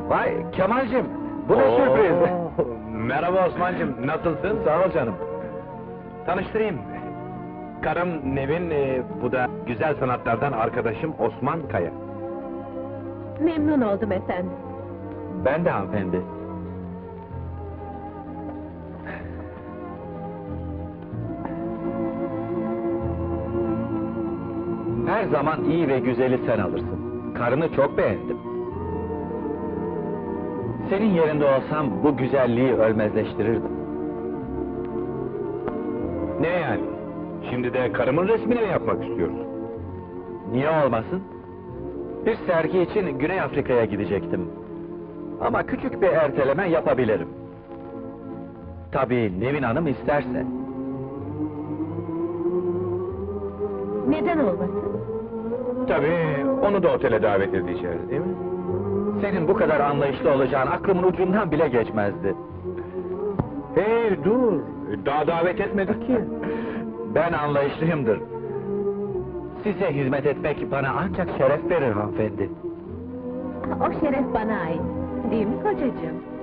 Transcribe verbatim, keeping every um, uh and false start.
Vay Kemal'cim, bu ne Oo, sürpriz! Merhaba Osman'cığım, nasılsın? Sağ ol canım. Tanıştırayım. Karım Nevin, e, bu da güzel sanatlardan arkadaşım Osman Kaya. Memnun oldum efendim. Ben de hanımefendi. Her zaman iyi ve güzeli sen alırsın. Karını çok beğendim. Senin yerinde olsam bu güzelliği ölmezleştirirdim. Ne yani? Şimdi de karımın resmini mi yapmak istiyorsun? Niye olmasın? Bir sergi için Güney Afrika'ya gidecektim. Ama küçük bir erteleme yapabilirim. Tabii Nevin Hanım isterse. Neden olmasın? Tabii, onu da otele davet edeceğiz, değil mi? Senin bu kadar anlayışlı olacağın aklımın ucundan bile geçmezdi. Hey, dur! Daha davet etmedik ki. Ben anlayışlıyımdır. Size hizmet etmek bana ancak şeref verir hanımefendi. O şeref bana ait. Değil mi kocacığım?